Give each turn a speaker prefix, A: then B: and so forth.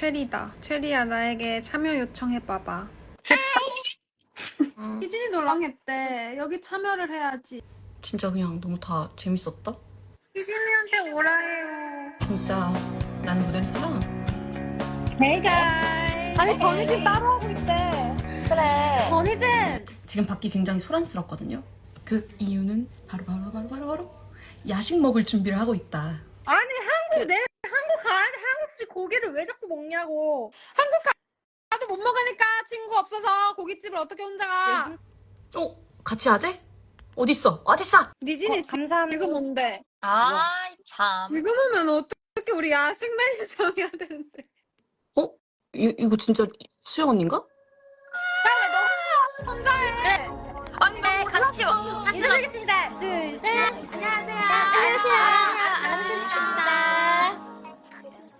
A: 체리다. 체리야, 나에게 참여 요청해봐봐. 희진이 놀랑했대. 여기 참여를 해야지.
B: 진짜 그냥 너무 다 재밌었다.
A: 희진이한테 오라 해요.
B: 진짜 나는 무대를 사랑한다.
C: Hey guys.
A: 아니, 전희진 따로 하고 있대.
C: 그래.
A: 전희진!
B: 지금 밖이 굉장히 소란스럽거든요. 그 이유는 바로 야식 먹을 준비를 하고 있다.
A: 아니, 한국 가야지. 한국식 고기를 왜 자꾸 먹냐고. 한국 가도 못 먹으니까 친구 없어서 고깃집을 어떻게 혼자 가.
B: 같이 하재? 어딨어? 어딨어?
A: 미진이
C: 감사합니다.
A: 지금 온대.
C: 아, 참.
A: 지금 오면 어떻게 우리 야식 메뉴 정해야 되는데.
B: 이거 진짜 수영 언니인가?
A: 혼자 해.
C: 언니, 같이 와.
A: 인사드리겠습니다. 둘, 셋. 안녕하세요.